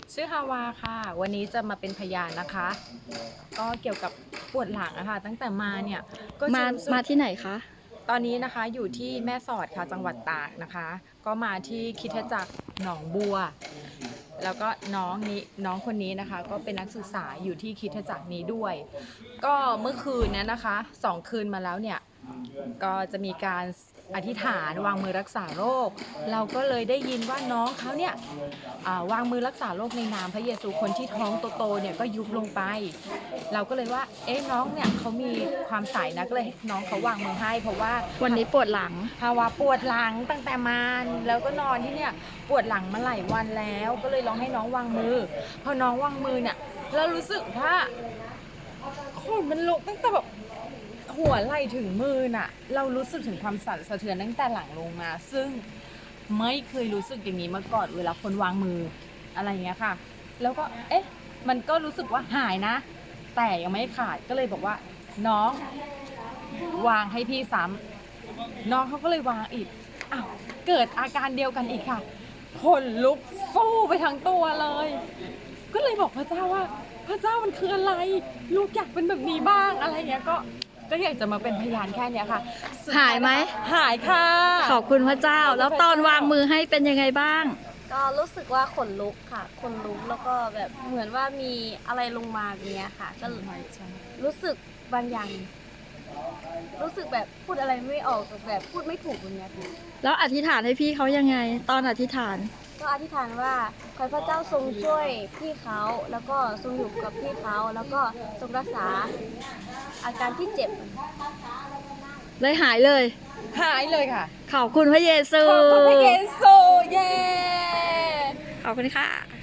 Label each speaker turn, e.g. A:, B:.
A: ชื่อฮาวาค่ะวันนี้จะมาเป็นพยานนะคะ ก็เกี่ยวกับปวดหลังอะค่ะตั้งแต่มาเนี่ยก็จะรู้สึก
B: มาที่ไหนคะ
A: ตอนนี้นะคะอยู่ที่แม่สอดค่ะจังหวัดตากนะคะ ก็มาที่คริสตจักรหนองบัว แล้วก็น้องคนนี้นะคะก็เป็นนักศึกษาอยู่ที่คริสตจักรนี้ด้วย ก็เมื่อคืนนี้นะคะ2 คืนมาแล้วเนี่ยก็จะมีการอธิษฐานวางมือรักษาโรคเราก็เลยได้ยินว่าน้องเขาเนี่ยวางมือรักษาโรคในนามพระเยซูคนที่ท้องโตๆเนี่ยก็ยุบลงไปเราก็เลยว่าน้องเนี่ยเขามีความใสนะก็เลยให้น้องเขาวางมือให้เพราะว่า
B: วันนี้ปวดหลัง
A: ภาวะปวดหลังตั้งแต่มาแล้วก็นอนที่เนี่ยปวดหลังมาหลายวันแล้วก็เลยลองให้น้องวางมือพอน้องวางมือเนี่ยเรารู้สึกว่าขนมันลุกตั้งแต่แบบหัวไหล่ถึงมือน่ะเรารู้สึกถึงความสั่นสะเทือนตั้งแต่หลังลงมาซึ่งไม่เคยรู้สึกอย่างนี้มาก่อนเวลาคนวางมืออะไรเงี้ยค่ะแล้วก็มันก็รู้สึกว่าหายนะแต่ยังไม่ขาดก็เลยบอกว่าน้องวางให้พี่ซ้ำน้องเขาก็เลยวางอีกอ้าวเกิดอาการเดียวกันอีกค่ะขนลุกฟู่ไปทั้งตัวเลยก็เลยบอกพระเจ้าว่าพระเจ้ามันคืออะไรลูกอยากเป็นแบบนี้บ้างอะไรเงี้ยก็อยากจะมาเป็นพยานแค่เนี้ยค่ะ
B: หายไหม
A: หายค่ะ
B: ขอบคุณพระเจ้า แล้วตอนวางมือให้เป็นยังไงบ้าง
C: ก็รู้สึกว่าขนลุกค่ะขนลุกแล้วก็แบบเหมือนว่ามีอะไรลงมาแบบเนี้ยค่ะ ก็รู้สึกบางอย่าง รู้สึกแบบพูดอะไรไม่ออกแบบพูดไม่ถูกแบบเนี้ยค่ะ
B: แล้วอธิษฐานให้พี่เขายังไง ตอนอธิษฐาน
C: ก็อธิษฐานว่าขอให้พระเจ้าทรงช่วยพี่เขาแล้วก็ทรงอยู่กับพี่เขาแล้วก็ทรงรักษาอาการที่เจ็บ
B: เลยหายเลย
A: หายเลยค่ะ
B: ขอบคุณพระเยซู
A: ขอบคุณพระเยซูเย้
B: ขอบคุณค่ะ